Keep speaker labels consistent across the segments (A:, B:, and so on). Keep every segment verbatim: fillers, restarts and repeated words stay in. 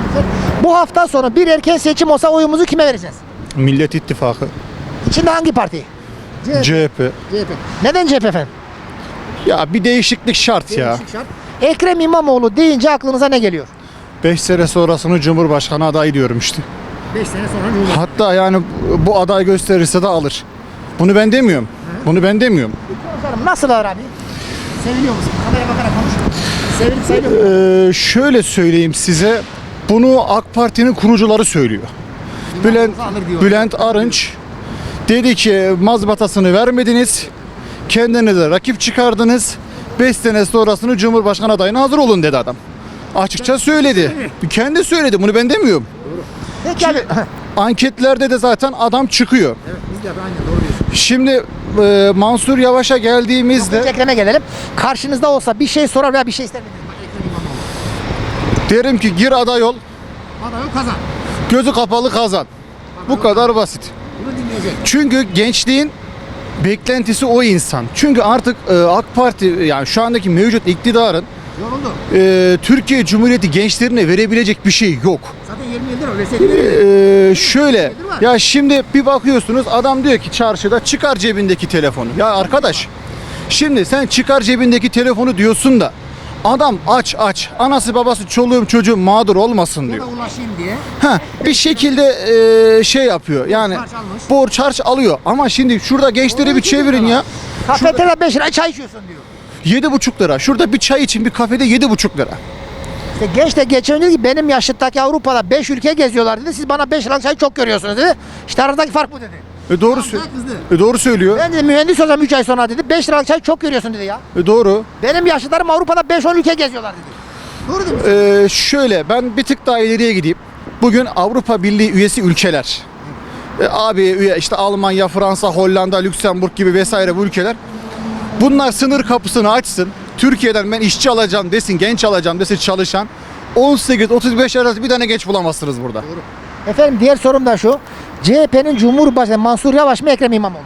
A: Bu hafta sonu bir erken seçim olsa oyumuzu kime vereceğiz?
B: Millet İttifakı,
A: İçinde hangi parti?
B: C H P.
A: C H P. Neden C H P efendim?
B: Ya bir değişiklik şart ya.
A: Değişik şart. Ekrem İmamoğlu deyince aklınıza ne geliyor?
B: beş sene sonrasını Cumhurbaşkanı adayı diyorum işte.
A: beş sene sonra
B: Hatta yani bu aday gösterirse de alır. Bunu ben demiyorum. Bunu ben demiyorum.
A: Konuşalım. Nasıl abi? Seviliyor musun? Kameraya bakarak konuş. Sevilip sayılıyor mu?
B: Ee, şöyle söyleyeyim size. Bunu AK Parti'nin kurucuları söylüyor. Bülent,
A: alır diyor.
B: Bülent Arınç dedi ki mazbatasını vermediniz. Kendinize rakip çıkardınız. beş sene sonrasını Cumhurbaşkanı adayına hazır olun dedi adam. Açıkça söyledi. Kendi söyledi. Bunu ben demiyorum.
A: Peki abi.
B: Anketlerde de zaten adam çıkıyor.
A: Evet, biz de aynen doğru diyorsun.
B: Şimdi e, Mansur Yavaş'a geldiğimizde
A: Ekrem'e gelelim. Karşınızda olsa bir şey sorar veya bir şey ister miydiniz? Bak, Ekrem İmamoğlu.
B: derim ki gir aday ol,
A: Adayı kazan.
B: gözü kapalı kazan. Bu kadar basit.
A: Bunu dinleyecek.
B: Çünkü gençliğin beklentisi o insan. Çünkü artık e, AK Parti yani şu andaki mevcut iktidarın
A: Yoruldu.
B: e, Türkiye Cumhuriyeti gençlerine verebilecek bir şey yok.
A: Zaten yirmi yıldır öyle verseydi.
B: E, şöyle ya şimdi bir bakıyorsunuz adam diyor ki çarşıda çıkar cebindeki telefonu. Ya arkadaş şimdi sen çıkar cebindeki telefonu diyorsun da adam aç aç anası babası çoluğum çocuğum mağdur olmasın diyor.
A: ulaşayım diye.
B: Ha, bir şekilde e, şey yapıyor yani
A: harç almış.
B: borç harç alıyor ama şimdi şurada gençleri bir çevirin ya.
A: Kafeteryada beş lira çay içiyorsun diyor.
B: Yedi buçuk lira. Şurada bir çay için bir kafede yedi buçuk lira.
A: İşte genç de geçen dedi ki benim yaşıttaki Avrupa'da beş ülke geziyorlar dedi. Siz bana beş liralık çay çok görüyorsunuz dedi. İşte aradaki fark bu dedi.
B: E doğru
A: Tamam,
B: sö-
A: kızdı.
B: e doğru söylüyor.
A: Ben de mühendis olacağım üç ay sonra dedi. beş liralık çay çok görüyorsun dedi ya.
B: E doğru.
A: Benim yaşlılarım Avrupa'da beş on ülke geziyorlar dedi. Doğru değil mi?
B: E, şöyle ben bir tık daha ileriye gideyim. Bugün Avrupa Birliği üyesi ülkeler. E, abi üye işte Almanya, Fransa, Hollanda, Lüksemburg gibi vesaire bu ülkeler. Bunlar sınır kapısını açsın. Türkiye'den ben işçi alacağım desin, genç alacağım desin çalışan. on sekiz otuz beş arası bir tane genç bulamazsınız burada.
A: Efendim diğer sorum da şu. C H P'nin Cumhurbaşkanı Mansur Yavaş mı Ekrem İmamoğlu?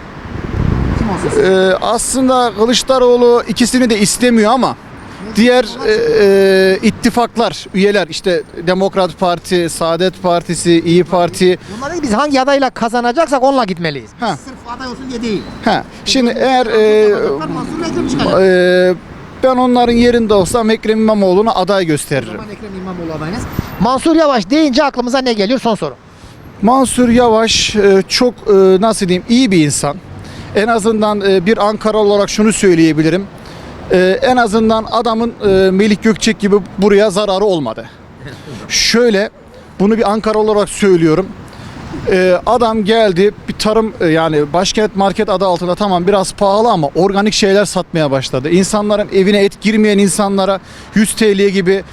A: Kim olsun?
B: Ee, aslında Kılıçdaroğlu ikisini de istemiyor ama diğer e, e, ittifaklar, üyeler işte Demokrat Parti, Saadet Partisi, İyi Parti.
A: Bunlar dedi ki biz hangi adayla kazanacaksak onunla gitmeliyiz.
B: Ha.
A: Sırf aday olsun diye değil.
B: Ha, şimdi eğer e,
A: Mansur Ekrem çıkacak.
B: e, ben onların yerinde olsam Ekrem İmamoğlu'na aday gösteririm.
A: Ekrem İmamoğlu adayınız. Mansur Yavaş deyince aklımıza ne geliyor? Son soru.
B: Mansur Yavaş e, çok e, nasıl diyeyim iyi bir insan. En azından e, bir Ankara olarak şunu söyleyebilirim. E, en azından adamın e, Melih Gökçek gibi buraya zararı olmadı. Şöyle bunu bir Ankara olarak söylüyorum. E, adam geldi bir tarım e, yani Başkent Market adı altında tamam biraz pahalı ama organik şeyler satmaya başladı. İnsanların evine et girmeyen insanlara yüz T L gibi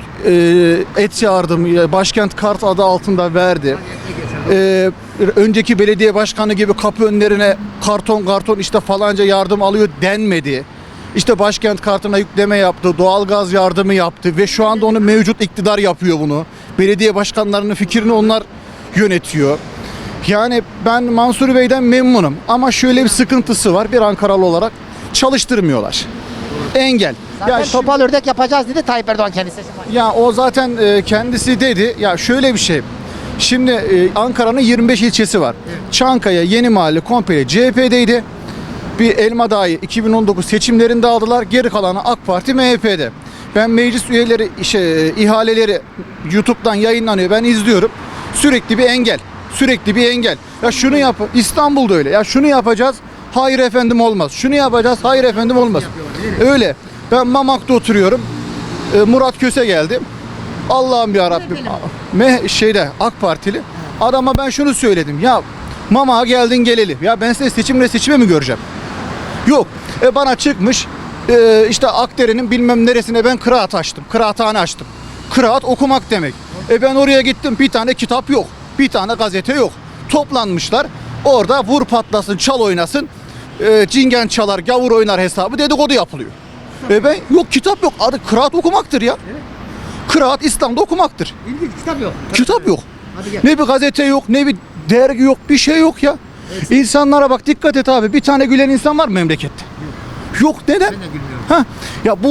B: e, et yardımı Başkent Kart adı altında verdi. Ee, önceki belediye başkanı gibi kapı önlerine karton karton işte falanca yardım alıyor denmedi. İşte Başkent Kartı'na yükleme yaptı, doğalgaz yardımı yaptı ve şu anda onu mevcut iktidar yapıyor bunu. Belediye başkanlarının fikrini onlar yönetiyor. Yani ben Mansur Bey'den memnunum ama şöyle bir sıkıntısı var bir Ankaralı olarak çalıştırmıyorlar. Engel.
A: Zaten
B: Ya şi-
A: topal ördek yapacağız dedi Tayyip Erdoğan kendisi.
B: ya o zaten e, kendisi dedi. Ya şöyle bir şey. Şimdi e, Ankara'nın yirmi beş ilçesi var. Çankaya, Yenimahalle komple C H P'deydi. Bir Elmadağ'ı iki bin on dokuz seçimlerinde aldılar. Geri kalanı AK Parti M H P'de. Ben meclis üyeleri şey, ihaleleri YouTube'dan yayınlanıyor. Ben izliyorum. Sürekli bir engel. Sürekli bir engel. Ya şunu yap. İstanbul'da öyle. Ya şunu yapacağız. Hayır efendim olmaz. Şunu yapacağız. Hayır efendim olmaz. Öyle. Ben Mamak'ta oturuyorum. E, Murat Köse geldi. Allah'ım ya Rabbim. Me şeyde AK Partili. Adama ben şunu söyledim. Ya Mamak'a geldin geleli. Ya ben seni seçimle seçime mi göreceğim? Yok. E bana çıkmış e, işte Akdere'nin bilmem neresine ben kıraat açtım. Kıraathane açtım. Kıraat okumak demek. E ben oraya gittim bir tane kitap yok. Bir tane gazete yok. Toplanmışlar. Orada vur patlasın çal oynasın. E, cingen çalar gavur oynar hesabı dedikodu yapılıyor. E ben yok kitap yok. Adı kıraat okumaktır ya. Kıraat İslam'da okumaktır.
A: İlginç kitap yok.
B: Kitap yok.
A: Hadi gel.
B: Ne bir gazete yok, ne bir dergi yok, bir şey yok ya. İnsanlara bak dikkat et abi. Bir tane gülen insan var mı memlekette? Yok. Neden?
A: Ben de gülmüyorum.
B: Ha, ya bu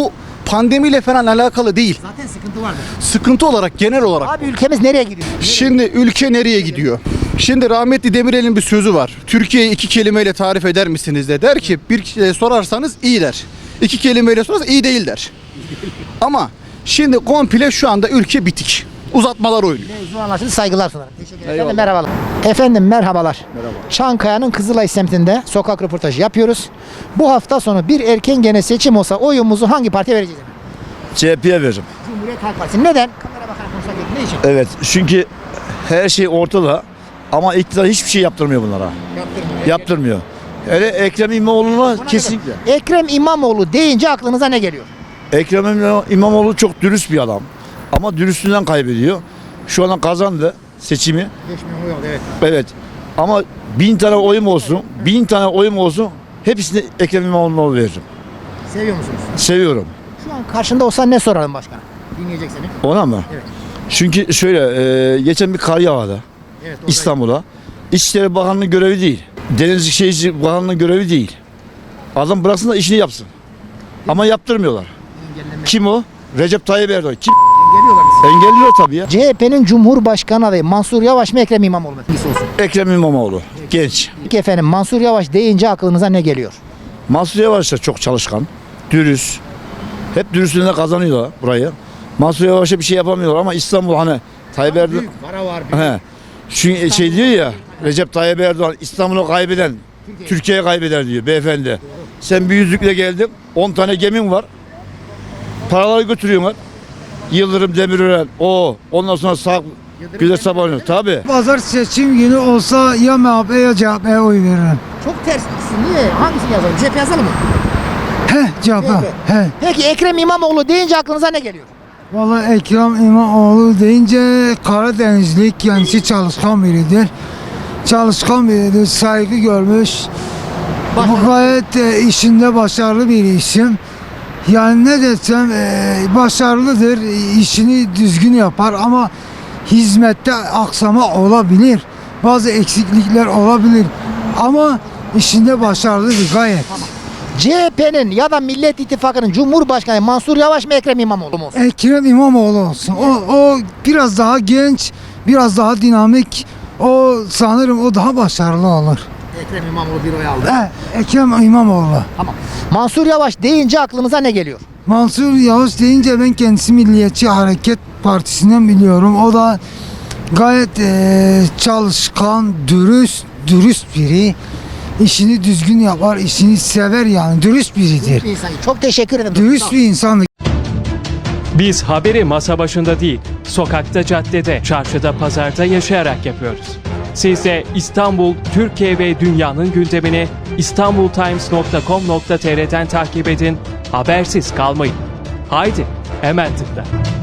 B: pandemiyle falan alakalı değil.
A: Zaten sıkıntı vardır.
B: Sıkıntı olarak, genel olarak.
A: Abi ülkemiz nereye gidiyor?
B: Şimdi ülke nereye gidiyor? Şimdi rahmetli Demirel'in bir sözü var. Türkiye'yi iki kelimeyle tarif eder misiniz de der ki bir kişiye sorarsanız iyi der. İki kelimeyle sorarsanız iyi değil der. Ama şimdi komple şu anda ülke bitik. Uzatmalar oynuyor.
A: Mevzu anlaşıldı. Saygılar sunarım. Teşekkür ederim.
B: Eyvallah.
A: Efendim merhabalar. Efendim merhabalar.
B: Merhaba.
A: Çankaya'nın Kızılay semtinde sokak röportajı yapıyoruz. Bu hafta sonu bir erken gene seçim olsa oyumuzu hangi partiye vereceğiz? efendim?
C: C H P'ye veririm.
A: Cumhuriyet Halk Partisi. Neden? Kamera bakarak konuşsak yok. Ne için?
C: Evet, çünkü her şey ortada ama iktidar hiçbir şey yaptırmıyor bunlara.
A: Yaptırmıyor.
C: Yaptırmıyor. Hele Ekrem İmamoğlu'na
A: Buna
C: kesinlikle.
A: neden? Ekrem İmamoğlu deyince aklınıza ne geliyor?
C: Ekrem İmam- İmamoğlu çok dürüst bir adam. Ama dürüstlüğünden kaybediyor. Şu an kazandı seçimi.
A: Geçmiyor mu? Yok, evet.
C: Evet. Ama bin tane oyum olsun, bin tane oyum olsun hepsini Ekrem İmamoğlu'na veririm.
A: Seviyor musunuz?
C: Seviyorum.
A: Şu an karşında olsa ne soralım başkana? Dinleyecek seni.
C: Ona mı?
A: Evet.
C: Çünkü şöyle, e, geçen bir kar yağdı
A: Evet. orada-
C: İstanbul'a. İçişleri Bakanlığı görevi değil. Denizcilik Şehircilik Bakanlığı görevi değil. Adam bıraksın da işini yapsın. Ama yaptırmıyorlar.
A: Engelleme.
C: Kim o? Recep Tayyip Erdoğan. Kim?
A: Geliyorlar bizi.
C: Engelliyor tabii ya.
A: C H P'nin Cumhurbaşkanı adayı Mansur Yavaş mı Ekrem İmamoğlu mu? İyisi olsun.
C: Ekrem İmamoğlu. Genç.
A: Peki efendim Mansur Yavaş deyince aklınıza ne geliyor?
C: Mansur Yavaş da çok çalışkan. Dürüst. Hep dürüstlüğüne kazanıyorlar burayı. Mansur Yavaş'a bir şey yapamıyorlar ama İstanbul hani Tayyip Erdoğan...
A: para var.
C: He. Çünkü şey diyor ya, Recep Tayyip Erdoğan İstanbul'u kaybeden Türkiye'yi kaybeder diyor beyefendi. Sen bir yüzükle geldin, on tane gemin var. Paraları götürüyorlar. Yıldırım Demirören, o, ondan sonra sağ güzel sabahlanıyor. Tabii.
D: Pazar seçim günü olsa ya M H P ya C H P'ye oy veririm.
A: Çok ters ikisi. Niye? Hangisini yazalım? C H P yazalım mı?
D: He C H P. He.
A: Peki Ekrem İmamoğlu deyince aklınıza ne geliyor?
D: Vallahi Ekrem İmamoğlu deyince Karadenizlik kendisi çalışkan biridir. Çalışkan biridir, saygı görmüş. Bu gayet e, işinde başarılı bir isim. Yani ne desem e, başarılıdır, işini düzgün yapar ama hizmette aksama olabilir. Bazı eksiklikler olabilir ama işinde başarılıdır gayet.
A: C H P'nin ya da Millet İttifakı'nın Cumhurbaşkanı Mansur Yavaş mı Ekrem İmamoğlu mu olsun?
D: Ekrem İmamoğlu olsun. O, o biraz daha genç, biraz daha dinamik. O sanırım o daha başarılı olur.
A: Ekrem İmamoğlu bir oy aldı.
D: He, Ekrem İmamoğlu.
A: Tamam. Mansur Yavaş deyince aklınıza ne geliyor?
D: Mansur Yavaş deyince ben kendisi Milliyetçi Hareket Partisi'nden biliyorum. O da gayet eee, çalışkan, dürüst, dürüst biri. İşini düzgün yapar, işini sever yani. Dürüst biridir.
A: Bir insan. Çok teşekkür ederim.
D: Dürüst bir insan.
E: Biz haberi masa başında değil, sokakta, caddede, çarşıda, pazarda yaşayarak yapıyoruz. Siz de İstanbul, Türkiye ve dünyanın gündemini istanbultimes nokta com nokta tr'den takip edin, habersiz kalmayın. Haydi, hemen tıkla.